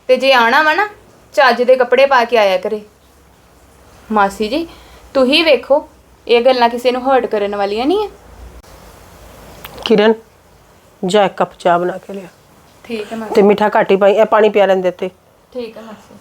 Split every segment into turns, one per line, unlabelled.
ਤੇ ਜੇ ਆਣਾ ਵਾ ਨਾ ਚੱਜ ਦੇ ਕੱਪੜੇ ਪਾ ਕੇ ਆਇਆ ਕਰੇ। ਮਾਸੀ ਜੀ ਤੁਸੀਂ ਵੇਖੋ ਇਹ ਗੱਲਾਂ ਕਿਸੇ ਨੂੰ ਹਰਟ ਕਰਨ ਵਾਲੀਆਂ ਨਹੀਂ ਹੈ।
किरण जा एक कप चाह बना के लिया।
ठीक है मासी।
ते मीठा घट ही पाई, ए पानी पिया लें देते।
ठीक है मासी।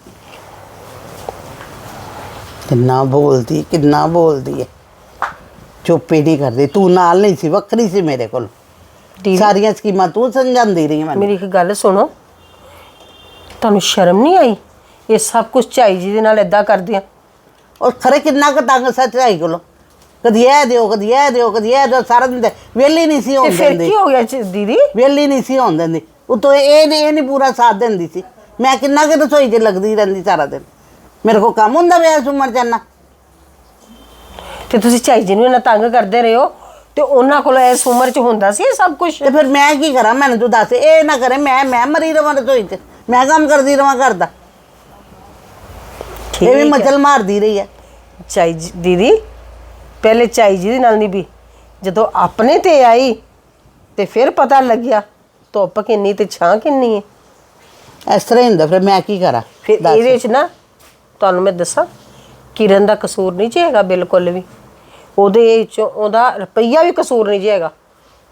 किन्ना बोलती है, चुप ही नहीं करती। तू नाल नहीं सी, वक्री सी मेरे को। सारियां स्कीमां तू समझांदी रही है।
मेरी एक गल सुनो, तुहानू शर्म नहीं आई ये सब कुछ झाई जी दे नाल इदां करदियां?
और खरे किन्ना क तंग सच्चाई कोलो, कदी ए दिओ कदी ए दिओ कदी ए दिओ, सारा दिन वेली नहीं सी होन
ते फिर
देंदी।
की हो गया दीदी? वेली
नहीं सी होन देंदी, उतो ए नहीं पूरा साथ देंदी सी। मैं किन्ना के रसोई च लगदी रहंदी सारा दिन, मेरे को काम हुंदा वे इस उम्र च इन्ना।
ते तुसीं झाई जी नूं इन्ना तंग करदे रहे हो ते उन्हां कोल इस उम्र च हुंदा सी सब कुछ?
ते फिर मैं की करा, मैनूं तू दस। ए ना करे मैं मरी रवां रसोई च, मैं काम करदी रवां घर दा। ये भी मचल मारदी रही है
झाई जी। दीदी पहले झाई जी दे नाल नहीं भी, जदों अपने ते आई ते फिर पता लग्या धुप्प किन्नी ते छां किन्नी है।
इस तरह हुंदा। फिर मैं की करा?
फिर इहदे च ना तुहानूं मैं दसां, किरण दा कसूर नहीं जी हैगा बिल्कुल भी। ਉਹਦੇ ਚੋਂ ਉਹਦਾ ਰੁਪਈਆ ਵੀ ਕਸੂਰ ਨਹੀਂ ਜੀ ਹੈਗਾ।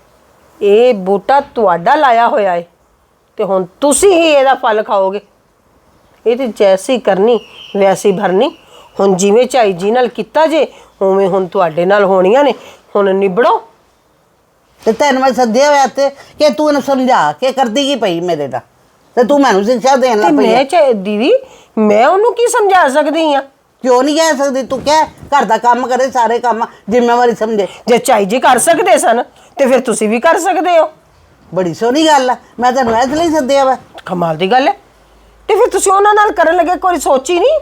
ਇਹ ਬੂਟਾ ਤੁਹਾਡਾ ਲਾਇਆ ਹੋਇਆ ਹੈ ਤੇ ਹੁਣ ਤੁਸੀਂ ਹੀ ਇਹਦਾ ਫਲ ਖਾਓਗੇ। ਇਹ ਤੇ ਜੈਸੀ ਕਰਨੀ ਵੈਸੀ ਭਰਨੀ। ਹੁਣ ਜਿਵੇਂ ਝਾਈ ਜੀ ਨਾਲ ਕੀਤਾ ਜੇ ਉਵੇਂ ਹੁਣ ਤੁਹਾਡੇ ਨਾਲ ਹੋਣੀਆਂ ਨੇ। ਹੁਣ ਨਿਬੜੋ।
ਤੇ ਤੈਨੂੰ ਮੈਂ ਸੱਦਿਆ ਹੋਇਆ ਤੇ ਕਿ ਤੂੰ ਇਹਨੂੰ ਸਮਝਾ ਕੇ ਕਰਦੀ ਕੀ ਪਈ ਮੇਰੇ ਨਾਲ, ਤੇ ਤੂੰ ਮੈਨੂੰ ਸਿੱਖਿਆ ਦੇਣ ਲੱਗ ਪਈ।
ਮੈਂ ਦੀਦੀ ਮੈਂ ਉਹਨੂੰ ਕੀ ਸਮਝਾ ਸਕਦੀ ਆ?
क्यों नहीं कह सकती? तू कह घर का काम करे, सारे काम जिम्मेवारी समझे।
जे झाई जी कर सकते सन तो फिर तुसी भी कर सकते हो।
बड़ी सोहनी गल है, मैं तेन इसलिए सद्दिया वा।
कमाल दी गल है। तो फिर तुसी उन्हां नाल करन लगे कोई सोची नहीं?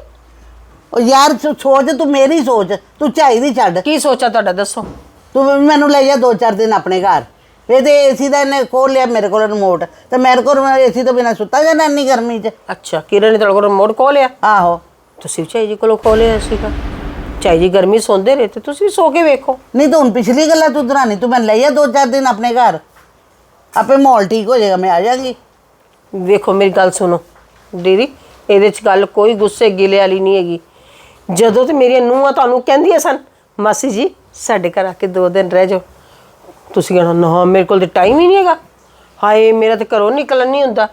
ओ यार सोच तू मेरी सोच, तू झाई दी छड्ड।
की सोचा तुहाडा दसो?
तू मैनू ले जा 2-4 दिन अपने घर। ये तो एसी का इन्हें खोल लिया मेरे को रिमोट, तो मेरे को एसी तो बिना सुता जाना इन्नी गर्मी च।
अच्छा किरण ने तुहाडे कोल रिमोट खोल लिया?
आहो
तुसी भी झाई जी कोलों खो लिया सीगा। झाई जी गर्मी सोंदे रहे तो तुसी भी सो के वेखो।
नहीं तो हुण पिछली गल्लां तू दरानी, तू मैनूं ले जा 2-4 दिन अपने घर, आपे माहौल ठीक हो जाएगा, मैं आ जाएगी।
वेखो मेरी गल सुनो दीदी, ਇਹਦੇ ਚ ਗੱਲ ਕੋਈ ਗੁੱਸੇ ਗਿਲੇ ਵਾਲੀ ਨਹੀਂ ਹੈਗੀ। ਜਦੋਂ ਤੇ ਮੇਰੀਆਂ ਨੂੰਹਾਂ ਤੁਹਾਨੂੰ ਕਹਿੰਦੀਆਂ ਸਨ ਮਾਸੀ ਜੀ ਸਾਡੇ ਘਰ ਆ ਕੇ 2 ਦਿਨ ਰਹਿ ਜਾਓ, ਤੁਸੀਂ ਕਹਿਣਾ ਨਾ ਮੇਰੇ ਕੋਲ ਤੇ ਟਾਈਮ ਹੀ ਨਹੀਂ ਹੈਗਾ, ਹਾਏ ਮੇਰਾ ਤੇ ਘਰੋਂ ਨਿਕਲਣ ਨਹੀਂ ਹੁੰਦਾ।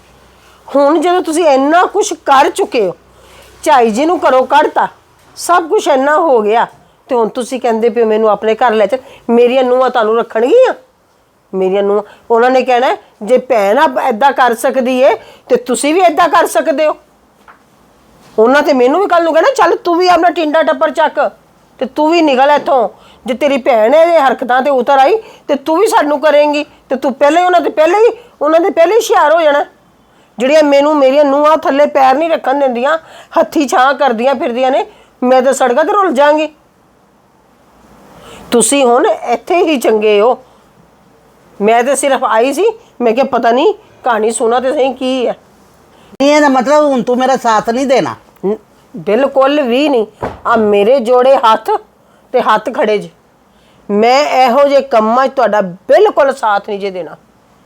ਹੁਣ ਜਦੋਂ ਤੁਸੀਂ ਇੰਨਾ ਕੁਝ ਕਰ ਚੁੱਕੇ ਹੋ, ਝਾਈ ਜੀ ਨੂੰ ਘਰੋਂ ਕੱਢਤਾ, ਸਭ ਕੁਝ ਇੰਨਾ ਹੋ ਗਿਆ, ਤੇ ਹੁਣ ਤੁਸੀਂ ਕਹਿੰਦੇ ਪਿਓ ਮੈਨੂੰ ਆਪਣੇ ਘਰ ਲੈ ਚੱਲ। ਮੇਰੀਆਂ ਨੂੰਹਾਂ ਤੁਹਾਨੂੰ ਰੱਖਣਗੀਆਂ? ਮੇਰੀਆਂ ਨੂੰਹਾਂ ਉਹਨਾਂ ਨੇ ਕਹਿਣਾ ਜੇ ਭੈਣ ਆ ਇੱਦਾਂ ਕਰ ਸਕਦੀ ਏ ਤੇ ਤੁਸੀਂ ਵੀ ਇੱਦਾਂ ਕਰ ਸਕਦੇ ਹੋ। ਉਹਨਾਂ ਤੇ ਮੈਨੂੰ ਵੀ ਕੱਲ ਨੂੰ ਕਹਿਣਾ ਚੱਲ ਤੂੰ ਵੀ ਆਪਣਾ ਟਿੰਡਾ ਟੱਪਰ ਚੱਕ ਤੇ ਤੂੰ ਵੀ ਨਿਕਲ ਇੱਥੋਂ। ਜੇ ਤੇਰੀ ਭੈਣ ਇਹ ਹਰਕਤਾਂ ਤੇ ਉਤਰ ਆਈ ਤੇ ਤੂੰ ਵੀ ਸਾਨੂੰ ਕਰੇਂਗੀ ਤੇ ਤੂੰ ਪਹਿਲੇ ਉਹਨਾਂ ਦੇ ਪਹਿਲੇ ਹੀ ਹੁਸ਼ਿਆਰ ਹੋ ਜਾਣਾ। ਜਿਹੜੀਆਂ ਮੈਨੂੰ ਮੇਰੀਆਂ ਨੂੰਹਾਂ ਥੱਲੇ ਪੈਰ ਨਹੀਂ ਰੱਖਣ ਦਿੰਦੀਆਂ, ਹੱਥੀ ਛਾਂ ਕਰਦੀਆਂ ਫਿਰਦੀਆਂ ਨੇ, ਮੈਂ ਤਾਂ ਸੜਕਾਂ ਤੇ ਰੁਲ ਜਾਵਾਂਗੀ। ਤੁਸੀਂ ਹੁਣ ਇੱਥੇ ਹੀ ਚੰਗੇ ਹੋ। ਮੈਂ ਤਾਂ ਸਿਰਫ ਆਈ ਸੀ, ਮੈਂ ਕਿਹਾ ਪਤਾ ਨਹੀਂ ਕਹਾਣੀ ਸੁਣਾ ਤੇ ਸਹੀ ਕੀ ਹੈ।
ਇਹ ਦਾ ਮਤਲਬ ਹੁਣ ਤੂੰ ਮੇਰਾ ਸਾਥ ਨਹੀਂ ਦੇਣਾ?
ਬਿਲਕੁਲ ਵੀ ਨਹੀਂ। ਆ ਮੇਰੇ ਜੋੜੇ ਹੱਥ ਤੇ ਹੱਥ ਖੜੇ ਜੇ। ਮੈਂ ਇਹੋ ਜਿਹੇ ਕੰਮਾਂ 'ਚ ਤੁਹਾਡਾ ਬਿਲਕੁਲ ਸਾਥ ਨਹੀਂ ਜੇ ਦੇਣਾ।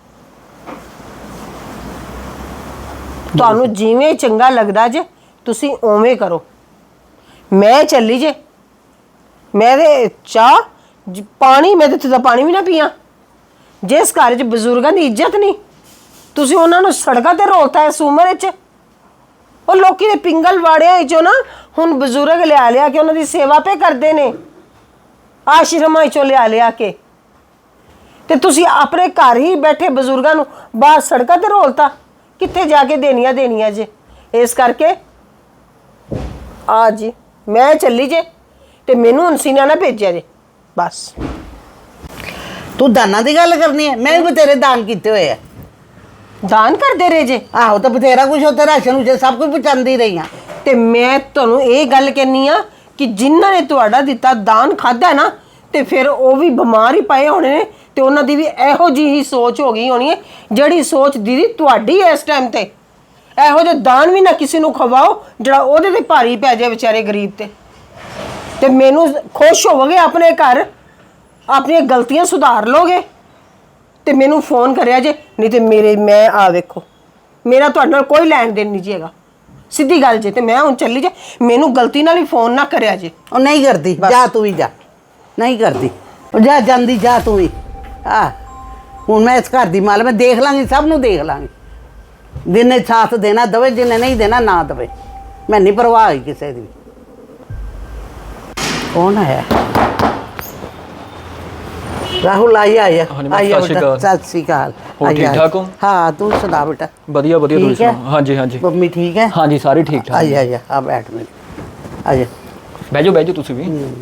ਤੁਹਾਨੂੰ ਜਿਵੇਂ ਚੰਗਾ ਲੱਗਦਾ ਜੇ ਤੁਸੀਂ ਉਵੇਂ ਕਰੋ। ਮੈਂ ਚੱਲੀ ਜੇ। ਮੈਂ ਤੇ ਚਾਹ ਪਾਣੀ, ਮੈਂ ਤੇ ਤਾਂ ਪਾਣੀ ਵੀ ਨਾ ਪੀਆਂ। ਜਿਸ ਘਰ 'ਚ ਬਜ਼ੁਰਗਾਂ ਦੀ ਇੱਜ਼ਤ ਨਹੀਂ, ਤੁਸੀਂ ਉਹਨਾਂ ਨੂੰ ਸੜਕਾਂ ਤੇ ਰੋਲਤਾ ਇਸ ਉਮਰ 'ਚ। ਉਹ ਲੋਕੀ ਦੇ ਪਿੰਗਲ ਵਾੜਿਆਂ 'ਚੋਂ ਨਾ ਹੁਣ ਬਜ਼ੁਰਗ ਲਿਆ ਕੇ ਉਹਨਾਂ ਦੀ ਸੇਵਾ ਪੇ ਕਰਦੇ ਨੇ, ਆਸ਼ਰਮਾਂ 'ਚੋਂ ਲਿਆ ਕੇ, ਤੇ ਤੁਸੀਂ ਆਪਣੇ ਘਰ ਹੀ ਬੈਠੇ ਬਜ਼ੁਰਗਾਂ ਨੂੰ ਬਾਹਰ ਸੜਕਾਂ ਤੇ ਰੋਲਤਾ। ਕਿੱਥੇ ਜਾ ਕੇ ਦੇਣੀਆਂ ਜੇ। ਇਸ ਕਰਕੇ ਆ ਜੀ ਮੈਂ ਚੱਲੀ ਜੇ ਤੇ ਮੈਨੂੰ ਹੁਣ ਸੀਨਾ ਨਾ ਭੇਜਿਆ ਜੇ ਬਸ।
ਤੂੰ ਦਾਨਾਂ ਦੀ ਗੱਲ ਕਰਨੀ ਹੈ? ਮੈਂ ਵੀ ਬਥੇਰੇ ਦਾਨ ਕੀਤੇ ਹੋਏ ਆ।
ਦਾਨ ਕਰਦੇ ਰਹੇ ਜੇ?
ਆਹੋ ਤਾਂ ਬਥੇਰਾ ਕੁਛ ਉੱਥੇ ਰਾਸ਼ਨ ਵਿੱਚ ਸਭ ਕੁਝ ਪਹੁੰਚਾਉਂਦੀ ਰਹੀ ਆ।
ਤੇ ਮੈਂ ਤੁਹਾਨੂੰ ਇਹ ਗੱਲ ਕਹਿੰਨੀ ਆ ਕਿ ਜਿਨ੍ਹਾਂ ਨੇ ਤੁਹਾਡਾ ਦਿੱਤਾ ਦਾਨ ਖਾਧਾ ਨਾ, ਤੇ ਫਿਰ ਉਹ ਵੀ ਬਿਮਾਰ ਹੀ ਪਏ ਹੋਣੇ ਨੇ, ਤੇ ਉਹਨਾਂ ਦੀ ਵੀ ਇਹੋ ਜਿਹੀ ਸੋਚ ਹੋ ਗਈ ਹੋਣੀ ਹੈ ਜਿਹੜੀ ਸੋਚ ਦੀਦੀ ਤੁਹਾਡੀ ਇਸ ਟਾਈਮ ਤੇ। ਇਹੋ ਜਿਹੇ ਦਾਨ ਵੀ ਨਾ ਕਿਸੇ ਨੂੰ ਖਵਾਓ ਜਿਹੜਾ ਉਹਦੇ ਤੇ ਭਾਰੀ ਪੈ ਜਾਏ ਵਿਚਾਰੇ ਗਰੀਬ ਤੇ। ਤੇ ਮੈਨੂੰ ਖੁਸ਼ ਹੋਵੋਗੇ ਆਪਣੇ ਘਰ, ਆਪਣੀਆਂ ਗਲਤੀਆਂ ਸੁਧਾਰ ਲੋਗੇ ਤੇ ਮੈਨੂੰ ਫੋਨ ਕਰਿਆ ਜੇ। ਨਹੀਂ ਤੇ ਮੈਂ ਵੇਖੋ ਮੇਰਾ ਤੁਹਾਡੇ ਨਾਲ ਕੋਈ ਲੈਣ ਦੇਣ ਨਹੀਂ ਜੀ ਹੈਗਾ, ਸਿੱਧੀ ਗੱਲ ਜੇ। ਤੇ ਮੈਂ ਹੁਣ ਚੱਲੀ ਜੇ, ਮੈਨੂੰ ਗਲਤੀ ਨਾਲ ਹੀ ਫੋਨ ਨਾ ਕਰਿਆ ਜੇ।
ਉਹ ਨਹੀਂ ਕਰਦੀ, ਜਾ ਤੂੰ ਵੀ ਜਾ, ਨਹੀਂ ਕਰਦੀ, ਉਹ ਜਾ ਜਾਂਦੀ, ਜਾ ਤੂੰ ਵੀ। ਆ ਹੁਣ ਮੈਂ ਇਸ ਘਰ ਦੀ ਮਾਲ, ਮੈਂ ਦੇਖ ਲਾਂਗੀ, ਸਭ ਨੂੰ ਦੇਖ ਲਾਂਗੀ। ਜਿੰਨੇ ਸਾਥ ਦੇਣਾ ਦਵੇ, ਜਿੰਨੇ ਨਹੀਂ ਦੇਣਾ ਨਾ ਦਵੇ, ਮੈਂ ਨਹੀਂ ਪਰਵਾਹ ਹੋਈ ਕਿਸੇ ਦੀ। ਕੌਣ ਆਇਆ? ਰਾਹੁਲ ਆਇਆ
ਹਾਂਜੀ, ਸਤਿ ਸ਼੍ਰੀ ਅਕਾਲ।
ਸਤਿ ਸ਼੍ਰੀ ਅਕਾਲ।
ਹੋਰ ਠੀਕ ਠਾਕ ਹੋ?
ਹਾਂ, ਤੂੰ ਸੁਣਾ ਬੇਟਾ।
ਵਧੀਆ ਵਧੀਆ, ਤੁਸੀਂ
ਠੀਕ ਹੈ?
ਸੁਣਾਓ? ਹਾਂਜੀ ਹਾਂਜੀ
ਮੰਮੀ ਠੀਕ ਹੈ?
ਹਾਂਜੀ, ਸਾਰੇ ਠੀਕ ਠਾਕ।
ਆਇਆ ਆ ਬੈਠ ਮੇਰੇ, ਆਇਆ।
ਬਹਿ ਜਾਓ ਤੁਸੀਂ ਵੀ।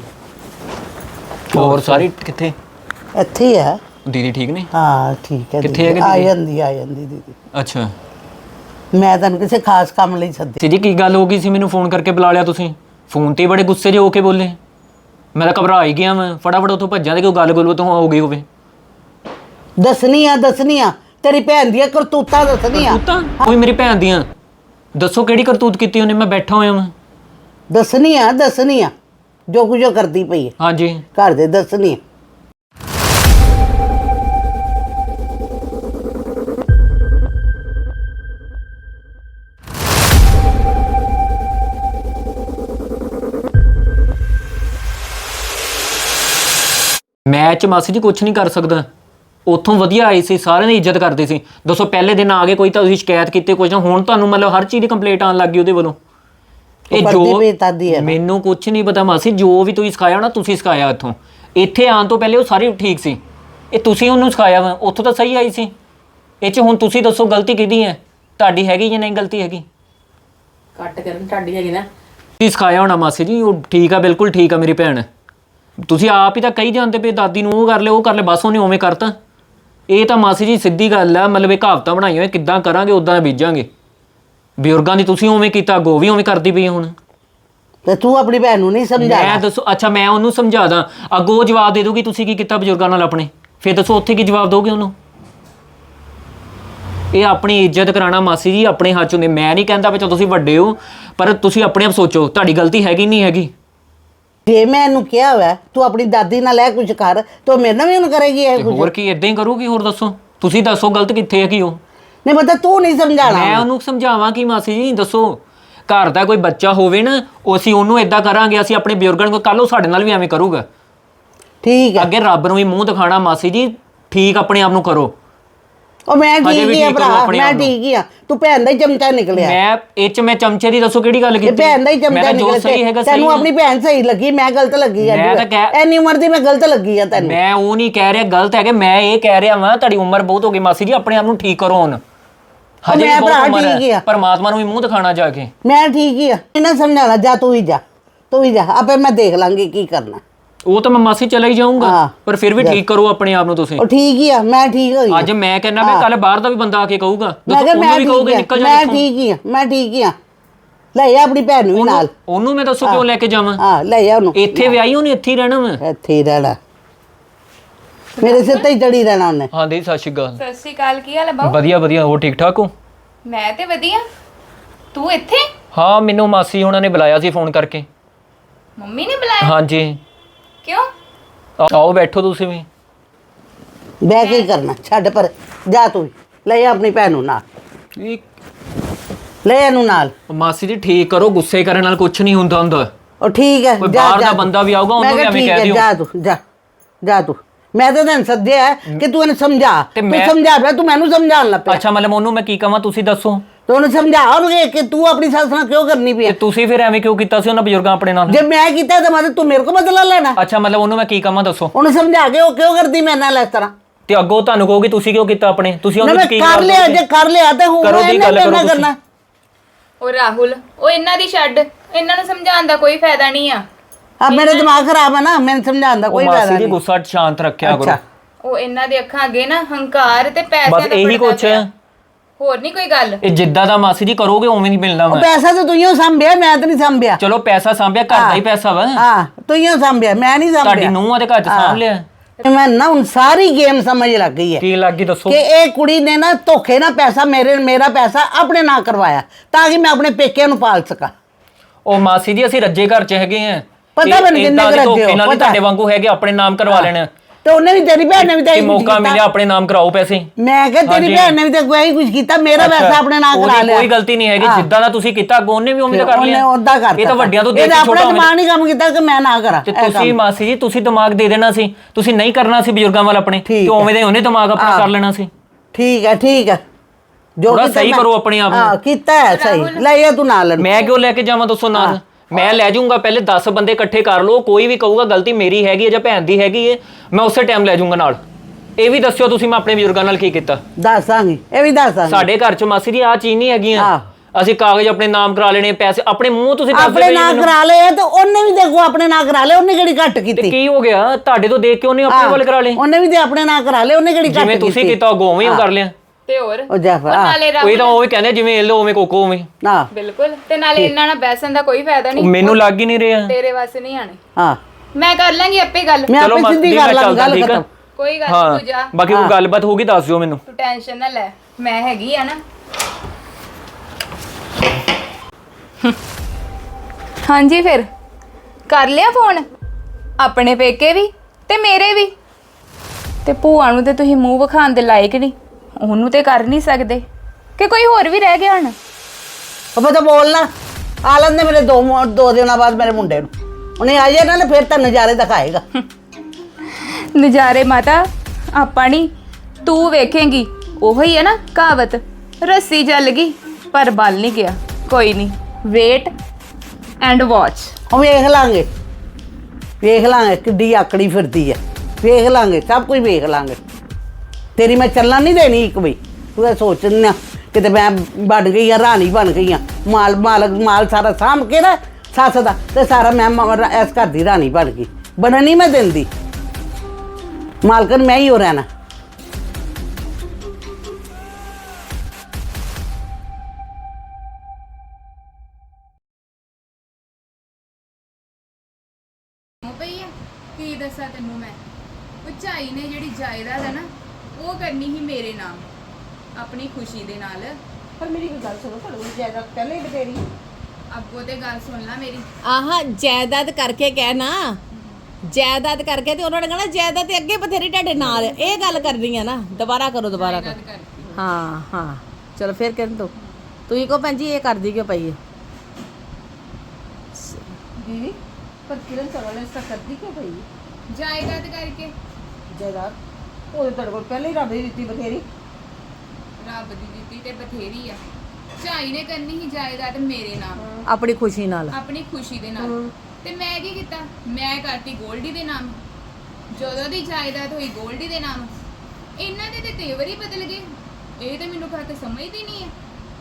ਹੋਰ ਸਾਰੇ ਕਿੱਥੇ?
ਇੱਥੇ ਹੀ ਹੈ।
ਦੀਦੀ ਠੀਕ ਨੇ?
ਹਾਂ ਠੀਕ ਹੈ।
ਕਿੱਥੇ ਹੈਗੇ
ਆ
ਦੀਦੀ?
ਜਾਂਦੀ ਦੀਦੀ।
ਅੱਛਾ
ਮੈਂ ਤੈਨੂੰ ਕਿਸੇ ਖਾਸ ਕੰਮ ਲਈ ਸੱਦੀ।
ਜੀ, ਕੀ ਗੱਲ ਹੋ ਗਈ ਸੀ? ਮੈਨੂੰ ਫੋਨ ਕਰਕੇ ਬੁਲਾ ਲਿਆ ਤੁਸੀਂ, ਫੋਨ ਤੇ ਬੜੇ ਗੁੱਸੇ ਜਿਹੇ ਹੋ ਕੇ ਬੋਲੇ। ਮੈਂ ਤਾਂ ਘਬਰਾ ਹੀ ਗਿਆ, ਮੈਂ ਫਟਾਫਟ ਉੱਥੋਂ ਭੱਜਾਂ ਤੇ ਕੋਈ ਗੱਲ ਤੋਂ ਹੋ ਗਈ ਹੋਵੇ।
ਦੱਸਣੀ ਆ ਤੇਰੀ ਭੈਣ ਦੀਆਂ ਕਰਤੂਤਾਂ ਦੱਸਣੀ ਆ।
ਕਰਤੂਤਾਂ? ਕੋਈ ਮੇਰੀ ਭੈਣ ਦੀਆਂ? ਦੱਸੋ ਕਿਹੜੀ ਕਰਤੂਤ ਕੀਤੀ ਉਹਨੇ? ਮੈਂ ਬੈਠਾ ਹੋਇਆ ਮੈਂ।
ਦੱਸਣੀ ਆ ਜੋ ਕੁਝ ਉਹ ਕਰਦੀ ਪਈ ਹੈ
ਹਾਂਜੀ
ਘਰ ਦੇ, ਦੱਸਣੀ ਆ।
ਮੈਚ ਮਾਸੀ ਜੀ ਕੁਝ ਨਹੀਂ ਕਰ ਸਕਦਾ। ਉੱਥੋਂ ਵਧੀਆ ਆਏ ਸੀ, ਸਾਰਿਆਂ ਦੀ ਇੱਜ਼ਤ ਕਰਦੇ ਸੀ। ਦੱਸੋ ਪਹਿਲੇ ਦਿਨ ਆ ਗਏ, ਕੋਈ ਤਾਂ ਤੁਸੀਂ ਸ਼ਿਕਾਇਤ ਕੀਤੀ ਕੁਝ ਨਾ, ਹੁਣ ਤੁਹਾਨੂੰ ਮਤਲਬ ਹਰ ਚੀਜ਼ ਦੀ ਕੰਪਲੇਂਟ ਆਉਣ ਲੱਗ ਗਈ ਉਹਦੇ ਵੱਲੋਂ। ਇਹ ਜੋ ਮੈਨੂੰ ਕੁਝ ਨਹੀਂ ਪਤਾ ਮਾਸੀ, ਜੋ ਵੀ ਤੁਸੀਂ ਸਿਖਾਇਆ ਨਾ ਤੁਸੀਂ ਸਿਖਾਇਆ। ਇੱਥੋਂ ਇੱਥੇ ਆਉਣ ਤੋਂ ਪਹਿਲੇ ਉਹ ਸਾਰੇ ਠੀਕ ਸੀ, ਇਹ ਤੁਸੀਂ ਉਹਨੂੰ ਸਿਖਾਇਆ ਵਾ। ਉੱਥੋਂ ਤਾਂ ਸਹੀ ਆਈ ਸੀ। ਇਹ 'ਚ ਹੁਣ ਤੁਸੀਂ ਦੱਸੋ ਗਲਤੀ ਕਿਹਦੀ ਹੈ? ਤੁਹਾਡੀ ਹੈਗੀ ਜਾਂ ਨਹੀਂ ਗਲਤੀ ਹੈਗੀ?
ਕੱਟ ਕਰਨ ਤੁਹਾਡੀ ਹੈਗੀ ਨਾ।
ਤੁਸੀਂ ਸਿਖਾਇਆ ਹੋਣਾ ਮਾਸੀ ਜੀ, ਉਹ ਠੀਕ ਆ, ਬਿਲਕੁਲ ਠੀਕ ਆ ਮੇਰੀ ਭੈਣ। ਤੁਸੀਂ ਆਪ ਹੀ ਤਾਂ ਕਹੀ ਜਾਂਦੇ ਪਏ ਦਾਦੀ ਨੂੰ ਉਹ ਕਰ ਲੈ, ਬਸ ਉਹਨੇ ਉਵੇਂ ਕਰਤਾ। ਇਹ ਤਾਂ ਮਾਸੀ ਜੀ ਸਿੱਧੀ ਗੱਲ ਆ, ਮਤਲਬ ਇਹ ਕਹਾਵਤਾਂ ਬਣਾਈਆਂ ਹੋਏ, ਕਿੱਦਾਂ ਕਰਾਂਗੇ ਉੱਦਾਂ ਬੀਜਾਂਗੇ। ਬਜ਼ੁਰਗਾਂ ਦੀ ਤੁਸੀਂ ਉਵੇਂ ਕੀਤਾ, ਅੱਗੋਂ ਵੀ ਉਵੇਂ ਕਰਦੀ ਪਈ ਹੁਣ।
ਤੇ ਤੂੰ ਆਪਣੀ ਭੈਣ ਨੂੰ ਨਹੀਂ ਸਮਝਾਇਆ?
ਮੈਂ ਦੱਸੋ, ਅੱਛਾ ਮੈਂ ਉਹਨੂੰ ਸਮਝਾ ਦਾਂ, ਅੱਗੋਂ ਜਵਾਬ ਦੇ ਦੂਗੀ ਤੁਸੀਂ ਕੀ ਕੀਤਾ ਬਜ਼ੁਰਗਾਂ ਨਾਲ ਆਪਣੇ, ਫਿਰ ਦੱਸੋ ਉੱਥੇ ਕੀ ਜਵਾਬ ਦੋਗੇ ਉਹਨੂੰ? ਇਹ ਆਪਣੀ ਇੱਜ਼ਤ ਕਰਾਉਣਾ ਮਾਸੀ ਜੀ ਆਪਣੇ ਹੱਥ 'ਚ ਹੁੰਦੇ। ਮੈਂ ਨਹੀਂ ਕਹਿੰਦਾ ਵੀ ਤੁਸੀਂ ਵੱਡੇ ਹੋ, ਪਰ ਤੁਸੀਂ ਆਪਣੇ ਆਪ ਸੋਚੋ ਤੁਹਾਡੀ ਗਲਤੀ ਹੈਗੀ ਨਹੀਂ ਹੈਗੀ।
ਜੇ ਮੈਂ ਇਹਨੂੰ ਕਿਹਾ ਹੋਇਆ ਤੂੰ ਆਪਣੀ ਦਾਦੀ ਨਾਲ ਇਹ ਕੁਝ ਕਰ, ਤੂੰ ਮੇਰੇ ਨਾਲ ਵੀ ਹੁਣ ਕਰੇਗੀ ਇਹ ਕੁਝ?
ਹੋਰ ਕੀ ਇਦਾਂ ਹੀ ਕਰੂਗੀ? ਹੋਰ ਦੱਸੋ, ਤੁਸੀਂ ਦੱਸੋ ਗਲਤ ਕਿੱਥੇ ਹੈ? ਕੀ ਉਹ
ਨਹੀਂ ਪਤਾ, ਤੂੰ ਨਹੀਂ ਸਮਝਾਣਾ।
ਮੈਂ ਉਹਨੂੰ ਸਮਝਾਵਾਂ ਕੀ ਮਾਸੀ ਜੀ? ਦੱਸੋ, ਘਰ ਦਾ ਕੋਈ ਬੱਚਾ ਹੋਵੇ ਨਾ, ਉਹ ਅਸੀਂ ਉਹਨੂੰ ਇਦਾਂ ਕਰਾਂਗੇ, ਅਸੀਂ ਆਪਣੇ ਬਜ਼ੁਰਗਾਂ ਨੂੰ, ਕੱਲ ਉਹ ਸਾਡੇ ਨਾਲ ਵੀ ਐਵੇਂ ਕਰੂਗਾ।
ਠੀਕ ਹੈ,
ਅੱਗੇ ਰੱਬ ਨੂੰ ਵੀ ਮੂੰਹ ਦਿਖਾਣਾ ਮਾਸੀ ਜੀ, ਠੀਕ ਆਪਣੇ ਆਪ ਨੂੰ ਕਰੋ।
ਉਹ ਮੈਂ ਠੀਕ ਹੀ ਆ ਭਰਾ, ਮੈਂ ਠੀਕ ਹੀ ਆ। ਤੂੰ ਭੈਣ ਦਾ ਹੀ ਚਮਚਾ ਨਿਕਲਿਆ।
ਮੈਂ ਇਹ 'ਚ ਮੈਂ ਚਮਚੇ ਦੀ ਦੱਸੋ ਕਿਹੜੀ ਗੱਲ ਕੀਤੀ?
ਭੈਣ ਦਾ ਹੀ ਚਮਚਾ ਨਿਕਲਿਆ। ਤੈਨੂੰ ਆਪਣੀ ਭੈਣ ਸਹੀ ਲੱਗੀ, ਮੈਂ ਗਲਤ ਲੱਗੀ ਆ? ਐਨੀ ਉਮਰ ਦੀ ਮੈਂ ਗਲਤ ਲੱਗੀ ਆ ਤੈਨੂੰ?
ਮੈਂ ਉਹ ਨਹੀਂ ਕਹਿ ਰਿਹਾ ਗਲਤ ਹੈਗੇ, ਮੈਂ ਇਹ ਕਹਿ ਰਿਹਾ ਵਾਂ ਤੁਹਾਡੀ ਉਮਰ ਬਹੁਤ ਹੋ ਗਈ ਮਾਸੀ ਜੀ, ਆਪਣੇ ਆਪ ਨੂੰ ਠੀਕ ਕਰੋ ਹੁਣ। ਹਜੇ
ਮੈਂ ਭਰਾ ਠੀਕ ਹੀ ਆ,
ਪਰਮਾਤਮਾ ਨੂੰ ਵੀ ਮੂੰਹ ਦਿਖਾਣਾ ਜਾ ਕੇ।
ਮੈਂ ਠੀਕ ਹੀ ਆ, ਇਹਨਾਂ ਸਮਝਾਣਾ। ਜਾ ਤੂੰ ਵੀ ਜਾ, ਆਪੇ ਮੈਂ ਦੇਖ ਲਾਂਗੀ ਕੀ ਕਰਨਾ।
ਉਹ ਤਾਂ ਮੈਂ ਮਾਸੀ ਚਲਾ ਹੀ ਜਾਊਂਗਾ, ਪਰ ਫਿਰ ਵੀ ਠੀਕ ਕਰੋ ਆਪਣੇ ਆਪ ਨੂੰ ਤੁਸੀਂ।
ਉਹ ਠੀਕ ਹੀ ਆ, ਮੈਂ ਠੀਕ ਹੋਈ।
ਅੱਜ ਮੈਂ ਕਹਿੰਦਾ ਮੈਂ ਕੱਲ ਬਾਹਰ ਦਾ ਵੀ ਬੰਦਾ ਆ ਕੇ ਕਹੂਗਾ,
ਮੈਂ
ਵੀ ਕਹੋਗੇ ਨਿਕਲ ਜਾ।
ਮੈਂ ਠੀਕ ਹੀ ਆ, ਲੈ ਆ ਆਪਣੀ ਭੈਣ ਨੂੰ ਵੀ ਨਾਲ।
ਉਹਨੂੰ ਮੈਂ ਦੱਸੋ ਕਿਉਂ ਲੈ ਕੇ ਜਾਵਾਂ?
ਹਾਂ ਲੈ ਆ ਉਹਨੂੰ।
ਇੱਥੇ ਵਿਆਹੀ ਉਹਨੇ ਇੱਥੇ ਹੀ ਰਹਿਣਾ ਮੈਂ।
ਇੱਥੇ ਹੀ ਰਹਿਣਾ, ਮੇਰੇ ਸਿਰ ਤੇ ਹੀ ਚੜੀ ਰਹਿਣਾ ਉਹਨੇ।
ਹਾਂ ਦੀ ਸਤਿ ਸ਼੍ਰੀ ਅਕਾਲ।
ਸਤਿ ਸ਼੍ਰੀ ਅਕਾਲ, ਕੀ ਹਾਲ ਹੈ ਬਾਬੂ?
ਵਧੀਆ ਵਧੀਆ, ਹੋਰ ਠੀਕ ਠਾਕ ਹੋ?
ਮੈਂ ਤੇ ਵਧੀਆ। ਤੂੰ ਇੱਥੇ?
ਹਾਂ, ਮੈਨੂੰ ਮਾਸੀ ਉਹਨਾਂ ਨੇ ਬੁਲਾਇਆ ਸੀ ਫੋਨ ਕਰਕੇ।
ਮੰਮੀ ਨੇ ਬੁਲਾਇਆ?
ਹਾਂਜੀ।
ਕਿਉਂ?
ਆਓ ਬੈਠੋ ਤੁਸੀਂ ਵੀ।
ਬਹਿ ਕੇ ਹੀ ਕਰਨਾ, ਛੱਡ ਪਰ। ਜਾ ਤੂੰ ਲੈ ਆ ਆਪਣੀ ਭੈਣ ਨੂੰ ਨਾਲ, ਲੈ ਇਹਨੂੰ ਨਾਲ।
ਮਾਸੀ ਜੀ ਠੀਕ ਕਰੋ, ਗੁੱਸੇ ਕਰਨ ਨਾਲ ਕੁਝ ਨਹੀਂ ਹੁੰਦਾ।
ਉਹ ਠੀਕ ਹੈ,
ਕੋਈ ਬਾਹਰ ਦਾ ਬੰਦਾ ਵੀ ਆਊਗਾ ਉਹਨੂੰ ਵੀ ਐਵੇਂ ਕਹਿ ਦਿਓ।
ਜਾ ਤੂੰ ਮੈਂ ਤਾਂ ਤੈਨੂੰ ਸੱਦਿਆ ਕਿ ਤੂੰ ਇਹਨੂੰ ਸਮਝਾ। ਤੂੰ ਸਮਝਾ ਪਿਆ, ਤੂੰ ਮੈਨੂੰ ਸਮਝਾਉਣ ਲੱਗ ਪਿਆ।
ਅੱਛਾ ਮਤਲਬ ਉਹਨੂੰ ਮੈਂ ਕੀ ਕਹਾਂ, ਤੁਸੀਂ ਦੱਸੋ।
ਤੂੰ ਉਹਨੂੰ ਸਮਝਾ ਉਹਨੂੰ ਕਿ ਤੂੰ ਆਪਣੀ ਸੱਸ ਨਾਲ ਕਿਉਂ ਕਰਨੀ ਪਈ?
ਤੁਸੀਂ ਫਿਰ ਐਵੇਂ ਕਿਉਂ ਕੀਤਾ ਸੀ ਉਹਨਾਂ ਬਜ਼ੁਰਗਾਂ ਆਪਣੇ ਨਾਲ?
ਜੇ ਮੈਂ ਕੀਤਾ ਤਾਂ ਮਤਲਬ ਤੂੰ ਮੇਰੇ ਕੋਲ ਬਦਲਾ ਲੈਣਾ?
ਅੱਛਾ ਮਤਲਬ ਉਹਨੂੰ ਮੈਂ ਕੀ ਕਹਾਂ ਦੱਸੋ।
ਉਹਨੂੰ ਸਮਝਾ ਕੇ ਉਹ ਕਿਉਂ ਕਰਦੀ ਮੇਰੇ ਨਾਲ ਇਸ ਤਰ੍ਹਾਂ?
ਤੇ ਅੱਗੋਂ ਤੁਹਾਨੂੰ ਕਹੋਗੇ ਤੁਸੀਂ ਕਿਉਂ ਕੀਤਾ ਆਪਣੇ, ਤੁਸੀਂ ਉਹਨੂੰ ਕੀ
ਕਰ ਲਿਆ? ਜੇ ਕਰ ਲਿਆ ਤੇ ਹੁਣ ਇਹਨੇ ਕਰਨਾ।
ਉਹ ਰਾਹੁਲ, ਉਹ ਇਹਨਾਂ ਦੀ ਛੱਡ, ਇਹਨਾਂ ਨੂੰ ਸਮਝਾਉਣ ਦਾ ਕੋਈ ਫਾਇਦਾ ਨਹੀਂ ਆ।
ਮੇਰੇ ਦਿਮਾਗ ਖਰਾਬ ਹੈ ਨਾ, ਮੈਨੂੰ ਸਮਝਾਉਣ ਦਾ ਕੋਈ ਫਾਇਦਾ ਨਹੀਂ।
ਗੁੱਸਾ ਸ਼ਾਂਤ ਰੱਖਿਆ ਕਰੋ।
ਉਹ ਇਹਨਾਂ ਦੇ ਅੱਖਾਂ ਅੱਗੇ ਨਾ ਹੰਕਾਰ ਤੇ ਪੈਸੇ ਦਾ
ਬਸ ਇਹੀ ਕੁਛ ਹੈ,
ਹੋਰ ਨਹੀਂ ਕੋਈ ਗੱਲ।
ਇਹ ਜਿੱਦਾਂ ਦਾ ਮਾਸੀ ਜੀ ਕਰੋਗੇ ਉਵੇਂ ਨਹੀਂ ਮਿਲਣਾ। ਮੈਂ
ਪੈਸਾ ਤਾਂ ਤੂੰ ਹੀ ਸੰਭਿਆ, ਮੈਂ ਤਾਂ ਨਹੀਂ ਸੰਭਿਆ।
ਚਲੋ ਪੈਸਾ ਸੰਭਿਆ, ਘਰ ਦਾ ਹੀ ਪੈਸਾ ਵਾ।
ਹਾਂ ਤੂੰ ਹੀ ਸੰਭਿਆ, ਮੈਂ ਨਹੀਂ ਸੰਭਿਆ।
ਤੁਹਾਡੀ ਨੂੰਹਾਂ ਦੇ ਘਰ ਚ ਸਾਂਭ ਲਿਆ।
ਮੈਂ ਨਾ ਹੁਣ ਸਾਰੀ ਗੇਮ ਸਮਝ ਲੱਗ ਗਈ ਹੈ।
ਕੀ ਲੱਗ ਗਈ ਦੱਸੋ?
ਕਿ ਇਹ ਕੁੜੀ ਨੇ ਨਾ ਧੋਖੇ ਨਾਲ ਪੈਸਾ ਮੇਰਾ ਪੈਸਾ ਆਪਣੇ ਨਾਂ ਕਰਵਾਇਆ ਤਾਂ ਕਿ ਮੈਂ ਆਪਣੇ ਪੇਕਿਆਂ ਨੂੰ ਪਾਲ ਸਕਾਂ।
ਉਹ ਮਾਸੀ ਜੀ ਅਸੀਂ ਰੱਜੇ ਘਰ ਚ ਹੈਗੇ ਆ,
ਪਤਾ ਮੈਨੂੰ ਕਿੰਨੇ ਕੁ ਰੱਜੇ ਹੋ,
ਪਤਾ ਤੁਹਾਡੇ ਵਾਂਗੂ ਹੈਗੇ ਆਪਣੇ ਨਾਮ ਕਰਵਾ ਲੈਣਾ।
ਤੇ ਉਹਨੇ ਵੀ ਤੇਰੀ ਭੈਣ ਨੇ ਵੀ ਤਾਂ
ਤੇ
ਇਹੀ ਕੁਝ
ਮੌਕਾ ਮਿਲਿਆ
ਕੀਤਾ।
ਆਪਣੇ ਨਾਮ ਕਰਾਓ ਪੈਸੇ।
ਮੈਂ ਕਿਹਾ ਤੇਰੀ
ਹਾਂਜੀ।
ਭੈਣ ਨੇ ਵੀ ਤਾਂ ਕੋਈ ਕੁਝ ਕੀਤਾ, ਮੇਰਾ ਵੈਸਾ ਆਪਣੇ ਨਾਲ ਕਰਾ
ਉਹਦੀ
ਲਿਆ।
ਕੋਈ ਗਲਤੀ ਨਹੀਂ ਹੈਗੀ,
ਹਾਂ।
ਜਿੱਦਾਂ ਦਾ ਤੁਸੀਂ ਕੀਤਾ ਅੱਗੋਂ ਉਹਨੇ ਵੀ ਉਵੇਂ ਦਾ ਕਰ
ਉਹਨੇ
ਲਿਆ।
ਉਹਦਾ ਕਰਤਾ।
ਇਹ ਤਾਂ ਵੱਡਿਆਂ ਤੋਂ ਦੇਖ
ਇਹਦਾ
ਕੇ
ਆਪਣਾ
ਛੋਟਾ
ਦਿਮਾਗ ਨਹੀਂ ਕੰਮ ਕੀਤਾ ਕਿ ਮੈਂ ਨਾ ਕਰਾਂ
ਤੇ
ਇਹ
ਤੁਸੀਂ
ਕੰਮ।
ਮਾਸੀ ਜੀ ਤੁਸੀਂ ਦਿਮਾਗ ਦੇ ਦੇਣਾ ਸੀ, ਤੁਸੀਂ ਨਹੀਂ ਕਰਨਾ ਸੀ ਬਜ਼ੁਰਗਾਂ ਵੱਲ ਆਪਣੇ, ਤੇ
ਠੀਕ
ਉਵੇਂ ਦੇ ਉਹਨੇ ਦਿਮਾਗ ਆਪਣਾ
ਹਾਂ।
ਕਰ ਲੈਣਾ ਸੀ।
ਠੀਕ ਹੈ
ਥੋੜ੍ਹਾ
ਕੀਤਾ
ਸਹੀ
ਮੈਂ-
ਕਰੋ ਆਪਣੇ ਆਪ ਨੂੰ।
ਹਾਂ ਕੀਤਾ ਹੈ ਸਹੀ। ਲੈ ਜਾ ਤੂੰ ਨਾਲ
ਮੈਂ ਕਿਉਂ ਲੈ ਕੇ ਜਾਵਾਂ ਦੱਸੋ ਨਾਲ? ਮੈਂ ਲੈ ਜਾਊਂਗਾ, ਪਹਿਲੇ 10 ਬੰਦੇ ਇਕੱਠੇ ਕਰ ਲਓ, ਕੋਈ ਵੀ ਕਹੂਗਾ ਗਲਤੀ ਮੇਰੀ ਹੈਗੀ ਹੈ ਜਾਂ ਭੈਣ ਦੀ ਹੈਗੀ ਹੈ, ਮੈਂ ਉਸੇ ਟਾਈਮ ਲੈ ਜਾਊਂਗਾ ਨਾਲ। ਇਹ ਵੀ ਦੱਸਿਓ ਤੁਸੀਂ ਮੈਂ ਆਪਣੇ ਬਜ਼ੁਰਗਾਂ ਨਾਲ ਕੀ ਕੀਤਾ।
ਦੱਸਾਂਗੀ, ਇਹ ਵੀ ਦੱਸਾਂਗੀ।
ਸਾਡੇ ਘਰ ਚ ਮਾਸੀ ਜੀ ਆਹ ਚੀਜ਼ ਨਹੀਂ ਹੈਗੀਆਂ।
ਹਾਂ।
ਅਸੀਂ ਕਾਗਜ਼ ਆਪਣੇ ਨਾਮ ਕਰਾ ਲੈਣੇ, ਪੈਸੇ ਆਪਣੇ ਮੂੰਹ ਤੁਸੀਂ ਦੱਸਦੇ
ਆਪਣੇ
ਪਏ
ਨਾਲ
ਮੈਨੂੰ।
ਕਰਾ ਲਏ ਤੇ ਉਹਨੇ ਵੀ ਦੇਖੋ ਆਪਣੇ ਨਾਲ ਕਰਾ ਲਏ, ਉਹਨੇ ਕਿਹੜੀ ਘੱਟ
ਤੇ
ਕੀਤੀ।
ਕੀ ਹੋ ਗਿਆ ਤੁਹਾਡੇ ਤੋਂ ਦੇਖ ਕੇ ਉਹਨੇ ਆਪਣੇ ਵੱਲ ਕਰਾ ਲਏ?
ਉਹਨੇ ਵੀ ਤੇ ਆਪਣੇ ਨਾਲ ਕਰਾ ਲਏ, ਉਹਨੇ ਕਿਹੜੀ ਘੱਟ ਕੀਤੀ।
ਜਿਵੇਂ ਤੁਸੀਂ ਕੀਤਾ ਉਹ ਉਵੇਂ ਹੀ ਕਰ ਲਿਆ।
ਤੇ ਹੋਰ
ਉਹ ਜਾ ਫਿਰ,
ਔਰ ਨਾਲੇ
ਉਹ
ਰਾਹੁਲ
ਤਾਂ ਉਵੇਂ ਕਹਿੰਦੇ ਜਿਵੇਂ ਇਹ ਲੋ ਉਵੇਂ ਕੋਕੋ ਉਵੇਂ।
ਹਾਂ
ਬਿਲਕੁਲ, ਤੇ ਨਾਲੇ ਇਹਨਾਂ ਨਾਲ ਬੈਸਣ ਦਾ ਕੋਈ ਫਾਇਦਾ ਨਹੀਂ।
ਮੈਨੂੰ ਲੱਗ ਹੀ ਨਹੀਂ ਰਿਹਾ।
ਤੇਰੇ ਵਾਸਤੇ ਨਹੀਂ ਆਣੇ।
ਹਾਂ
ਮੈਂ ਕਰ ਲਾਂਗੀ ਆਪੇ ਗੱਲ।
ਮੈਂ
ਚਲੋ
ਆਪੇ
ਮਾਸੀ
ਸਿੱਧੀ
ਜੀ
ਕਰ
ਮੈਂ
ਲਾਂਗੀ,
ਚੱਲਦਾ,
ਗੱਲ
ਠੀਕ ਆ?
ਖਤਮ।
ਕੋਈ ਗੱਲ ਨਹੀਂ, ਤੂੰ ਜਾ,
ਬਾਕੀ ਕੋਈ ਗੱਲਬਾਤ ਹੋਊਗੀ ਦੱਸ ਦਿਓ ਮੈਨੂੰ।
ਤੂੰ ਟੈਨਸ਼ਨ ਨਾ ਲੈ, ਮੈਂ ਹੈਗੀ ਆ ਨਾ। ਹਾਂਜੀ ਫਿਰ ਕਰ ਲਿਆ ਫੋਨ ਆਪਣੇ ਪੇਕੇ ਵੀ ਤੇ ਮੇਰੇ ਵੀ, ਤੇ ਭੂਆ ਨੂੰ ਤੇ ਤੁਸੀਂ ਮੂੰਹ ਵਿਖਾਉਣ ਦੇ ਲਾਇਕ ਨਹੀਂ, ਉਹਨੂੰ ਤੇ ਕਰ ਨਹੀਂ ਸਕਦੇ ਕਿ ਕੋਈ ਹੋਰ ਵੀ ਰਹਿ ਗਿਆ ਹੁਣ।
ਉਹ ਪਤਾ ਬੋਲਣਾ ਆ ਲੈਂਦੇ ਮੇਰੇ ਦੋ ਦਿਨਾਂ ਬਾਅਦ ਮੇਰੇ ਮੁੰਡੇ ਨੂੰ, ਉਹਨੇ ਆ ਜਾਣਾ ਨਾ ਫਿਰ ਤਾਂ ਨਜ਼ਾਰੇ ਦਿਖਾਏਗਾ।
ਨਜ਼ਾਰੇ ਮਾਤਾ ਆਪਾਂ ਨਹੀਂ, ਤੂੰ ਵੇਖੇਂਗੀ। ਉਹੀ ਹੈ ਨਾ ਕਹਾਵਤ, ਰੱਸੀ ਜਲ ਗਈ ਪਰ ਬਲ ਨਹੀਂ ਗਿਆ। ਕੋਈ ਨਹੀਂ, ਵੇਟ ਐਂਡ ਵਾਚ।
ਉਹ ਵੇਖ ਲਾਂਗੇ ਕਿੱਡੀ ਆਕੜੀ ਫਿਰਦੀ ਹੈ, ਵੇਖ ਲਾਂਗੇ ਸਭ ਕੁਝ ਵੇਖ ਲਾਂਗੇ। ਤੇਰੀ ਮੈਂ ਚੱਲਣ ਨਹੀਂ ਦੇਣੀ ਇੱਕ ਵੀ। ਤੂੰ ਇਹ ਸੋਚਣਾ ਕਿਤੇ ਮੈਂ ਬਣ ਗਈ ਆ, ਰਾਣੀ ਬਣ ਗਈ ਆ, ਮਾਲ ਸਾਰਾ ਸਾਂਭ ਕੇ ਨਾ ਸੱਸ ਦਾ, ਤੇ ਸਾਰਾ ਮੈਂ ਇਸ ਘਰ ਦੀ ਰਾਣੀ ਬਣ ਗਈ। ਬਣਨ ਨਹੀਂ ਮੈਂ ਦਿੰਦੀ, ਮਾਲਕਨ ਮੈਂ ਹੀ ਹੋ ਰਹਿਣਾ।
ਪਈ ਆ ਕੀ ਦੱਸਾਂ ਤੈਨੂੰ ਮੈਂ, ਉਹ ਝਾਈ ਨੇ ਜਿਹੜੀ ਜਾਇਦਾਦ ਹੈ ਨਾ ਉਹ ਕਰਨੀ ਹੀ ਮੇਰੇ ਨਾਮ ਆਪਣੀ ਖੁਸ਼ੀ ਦੇ ਨਾਲ।
ਪਰ ਮੇਰੀ ਕੋਈ ਗੱਲ ਸੁਣੋ, ਤੁਹਾਡੇ ਕੋਲ ਜਾਇਦਾਦ ਪਹਿਲੇ ਹੀ ਬਤੇਰੀ।
ਅੱਗੋਂ ਤੇ ਗੱਲ ਸੁਣ ਲੈ ਮੇਰੀ।
ਆਹ ਜਾਇਦਾਦ ਕਰਕੇ ਕਹਿ ਨਾ, ਜਾਇਦਾਦ ਕਰਕੇ ਤੇ ਉਹਨਾਂ ਨੇ ਕਹਣਾ ਜਾਇਦਾਦ ਤੇ ਅੱਗੇ ਬਥੇਰੀ ਤੁਹਾਡੇ ਨਾਲ, ਇਹ ਗੱਲ ਕਰਨੀ ਆ ਨਾ। ਦੁਬਾਰਾ ਕਰੋ, ਦੁਬਾਰਾ ਕਰੋ। ਹਾਂ ਹਾਂ ਚਲੋ ਫਿਰ ਕਹਿਣ ਦੋ, ਤੁਸੀਂ ਕਹੋ ਭੈਣ ਜੀ ਇਹ ਕਰਦੀ ਕਿਉਂ ਪਈ ਹੈ?
ਦੀਦੀ ਪਰ ਕਿਰਨ ਸਵਾਲ ਇਸ ਤਰ੍ਹਾਂ ਕਰਦੀ ਕਿਉਂ ਪਈ?
ਜਾਇਦਾਦ ਕਰਕੇ।
ਜਾਇਦਾਦ ਉਹ ਤੁਹਾਡੇ ਕੋਲ ਪਹਿਲੇ ਹੀ ਰੱਬ ਦੀ ਦਿੱਤੀ ਬਥੇਰੀ।
ਰੱਬ ਦੀ ਦਿੱਤੀ ਤੇ ਬਥੇਰੀ ਆ, ਝਾਈ ਨੇ ਕਰਨੀ ਹੀ ਜਾਇਦਾਦ ਮੇਰੇ ਨਾਮ
ਆਪਣੀ ਖੁਸ਼ੀ ਨਾਲ।
ਆਪਣੀ ਖੁਸ਼ੀ ਦੇ ਨਾਲ। ਤੇ ਮੈਂ ਕੀ ਕੀਤਾ, ਮੈਂ ਕਰਤੀ ਗੋਲਡੀ ਦੇ ਨਾਮ। ਜਦੋਂ ਦੀ ਜਾਇਦਾਦ ਹੋਈ ਗੋਲਡੀ ਦੇ ਨਾਮ, ਇਹਨਾਂ ਦੇ ਤੇ ਤੇਵਰ ਹੀ ਬਦਲ ਗਏ। ਇਹ ਤੇ ਮੈਨੂੰ ਘੱਟ ਸਮਝਦੀ ਨਹੀਂ ਹੈ।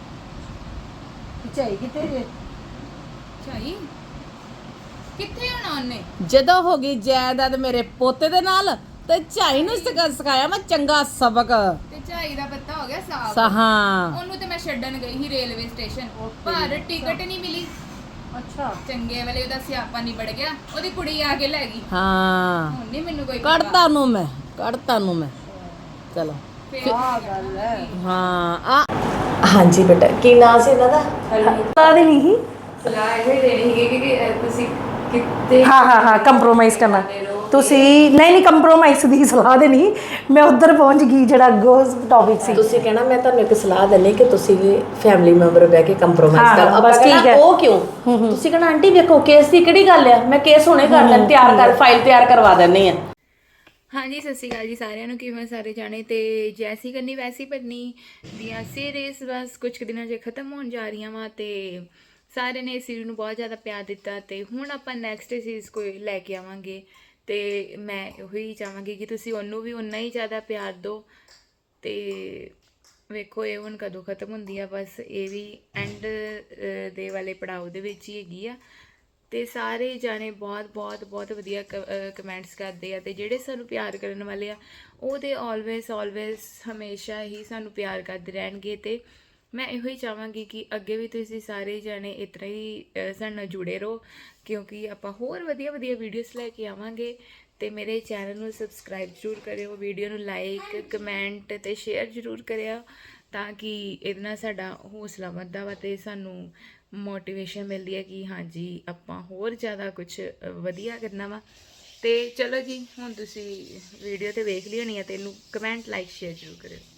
ਝਾਈ ਕਿੱਥੇ ਜੇ?
ਝਾਈ ਕਿੱਥੇ ਹੋਣਾ ਉਹਨੇ?
ਜਦੋਂ ਹੋ ਗਈ ਜਾਇਦਾਦ ਮੇਰੇ ਪੋਤੇ ਦੇ ਨਾਲ ਤੇ ਝਾਈ ਨੂੰ ਸਿਖਾਇਆ ਮੈਂ ਚੰਗਾ ਸਬਕ।
ਤੇ ਝਾਈ ਦਾ ਪੱਤਾ ਹੋ ਗਿਆ ਸਾਫ।
ਹਾਂ
ਉਹਨੂੰ ਤੇ ਮੈਂ ਛੱਡਣ ਗਈ ਸੀ ਰੇਲਵੇ ਸਟੇਸ਼ਨ, ਪਰ ਟਿਕਟ ਨਹੀਂ ਮਿਲੀ।
ਅੱਛਾ
ਚੰਗੇ ਵੇਲੇ ਉਹਦਾ ਸਿਆਪਾ ਨਿਬੜ ਗਿਆ, ਉਹਦੀ ਕੁੜੀ ਆ ਕੇ ਲੈ ਗਈ।
ਹਾਂ
ਹੁਣ ਨਹੀਂ ਮੈਨੂੰ ਕੋਈ ਪਤਾ।
ਕੱਢਤਾ ਨੂੰ ਮੈਂ ਚਲੋ
ਫਿਰ
ਗੱਲ ਹੈ।
ਹਾਂ ਆ ਹਾਂਜੀ ਬੇਟਾ ਕੀ ਨਾਂ ਸੀ ਇਹਨਾਂ ਦਾ?
ਸਲਾਹ ਦੇਣੀ ਸੀ।
ਸਲਾਹ ਇਹ ਦੇਣੀ ਸੀ ਕਿ ਤੁਸੀਂ ਕਿਤੇ
ਹਾਂ ਕੰਪਰੋਮਾਈਜ਼ ਕਰਨਾ ਤੁਸੀਂ ਨਹੀਂ ਕੰਪਰੋਮਾਈਜ਼ ਦੀ ਸਲਾਹ ਦੇਣੀ। ਮੈਂ ਉੱਧਰ ਪਹੁੰਚ ਗਈ ਜਿਹੜਾ ਅੱਗੋਂ ਟੌਪਿਕ ਸੀ।
ਤੁਸੀਂ ਕਹਿਣਾ ਮੈਂ ਤੁਹਾਨੂੰ ਇੱਕ ਸਲਾਹ ਦਿੰਨੀ ਕਿ ਤੁਸੀਂ ਫੈਮਿਲੀ ਮੈਂਬਰ ਬਹਿ ਕੇ ਕੰਪਰੋਮਾਈਜ਼
ਹਾਂ,
ਕਰੋ।
ਬਸ
ਆਪਾਂ
ਠੀਕ
ਕਹਿਣਾ
ਹੈ।
ਉਹ ਕਿਉਂ? ਤੁਸੀਂ ਕਹਿਣਾ ਆਂਟੀ ਵੇਖੋ ਕੇਸ ਦੀ ਕਿਹੜੀ ਗੱਲ ਆ, ਮੈਂ ਕੇਸ ਹੁਣੇ ਕਰ ਲੈਣ ਤਿਆਰ ਕਰ ਫਾਈਲ ਤਿਆਰ ਕਰਵਾ ਦਿੰਨੀ ਆ।
ਹਾਂਜੀ ਸਤਿ ਸ਼੍ਰੀ ਅਕਾਲ ਜੀ ਸਾਰਿਆਂ ਨੂੰ। ਕਿਵੇਂ ਸਾਰੇ ਜਾਣੇ? ਤੇ ਜੈਸੀ ਕਰਨੀ ਵੈਸੀ ਭਰਨੀ ਦੀਆਂ ਸੀਰੀਜ਼ ਬਸ ਕੁਝ ਕੁ ਦਿਨਾਂ 'ਚ ਖਤਮ ਹੋਣ ਜਾ ਰਹੀਆਂ ਵਾ, ਤੇ ਸਾਰਿਆਂ ਨੇ ਇਸ ਸੀਰੀਜ਼ ਨੂੰ ਬਹੁਤ ਜ਼ਿਆਦਾ ਪਿਆਰ ਦਿੱਤਾ, ਤੇ ਹੁਣ ਆਪਾਂ ਨੈਕਸਟ ਸੀਰੀਜ਼ ਕੋਈ ਲੈ ਕੇ ਆਵਾਂਗੇ। ਤੇ ਮੈਂ ਉਹੀ ਚਾਹਾਂਗੀ ਕਿ ਤੁਸੀਂ ਉਹਨੂੰ ਵੀ ਉਨਾ ਹੀ ਜ਼ਿਆਦਾ ਪਿਆਰ ਦਿਓ। ਤੇ ਵੇਖੋ ਇਹ ਹੁਣ ਕਦੋਂ ਖਤਮ ਹੁੰਦੀ ਆ, ਬਸ ਇਹ ਵੀ ਐਂਡ ਦੇ ਵਾਲੇ ਪੜਾਅ ਦੇ ਵਿੱਚ ਹੀ ਹੈਗੀ ਆ। ਤੇ ਸਾਰੇ ਜਾਣੇ ਬਹੁਤ ਬਹੁਤ ਬਹੁਤ ਵਧੀਆ ਕਮੈਂਟਸ ਕਰਦੇ ਆ, ਤੇ ਜਿਹੜੇ ਸਾਨੂੰ ਪਿਆਰ ਕਰਨ ਵਾਲੇ ਆ ਉਹ ਤੇ ਆਲਵੇਜ਼ ਹਮੇਸ਼ਾ ਹੀ ਸਾਨੂੰ ਪਿਆਰ ਕਰਦੇ ਰਹਿਣਗੇ। ਤੇ ਮੈਂ ਇਹੋ ਹੀ ਚਾਹਾਂਗੀ ਕਿ ਅੱਗੇ ਵੀ ਤੁਸੀਂ ਸਾਰੇ ਜਾਣੇ ਇਸ ਤਰ੍ਹਾਂ ਹੀ ਸਾਡੇ ਨਾਲ ਜੁੜੇ ਰਹੋ, ਕਿਉਂਕਿ ਆਪਾਂ ਹੋਰ ਵਧੀਆ ਵਧੀਆ ਵੀਡੀਓਜ਼ ਲੈ ਕੇ ਆਵਾਂਗੇ। ਤੇ ਮੇਰੇ ਚੈਨਲ ਨੂੰ ਸਬਸਕ੍ਰਾਈਬ ਜ਼ਰੂਰ ਕਰਿਓ, ਵੀਡੀਓ ਨੂੰ ਲਾਈਕ ਕਮੈਂਟ ਤੇ ਸ਼ੇਅਰ ਜ਼ਰੂਰ ਕਰਿਓ, ਤਾਂ ਕਿ ਇਹਦੇ ਨਾਲ ਸਾਡਾ ਹੌਸਲਾ ਵੱਧਦਾ ਵਾ ਤੇ ਸਾਨੂੰ ਮੋਟੀਵੇਸ਼ਨ ਮਿਲਦੀ ਹੈ ਕਿ ਹਾਂਜੀ ਆਪਾਂ ਹੋਰ ਜ਼ਿਆਦਾ ਕੁਝ ਵਧੀਆ ਕਰਨਾ ਵਾ। ਤੇ ਚਲੋ ਜੀ, ਹੁਣ ਤੁਸੀਂ ਵੀਡੀਓ ਤੇ ਵੇਖ ਲਈ ਹੋਣੀ ਆ ਤੇ ਇਹਨੂੰ ਕਮੈਂਟ ਲਾਈਕ ਸ਼ੇਅਰ ਜ਼ਰੂਰ ਕਰਿਓ।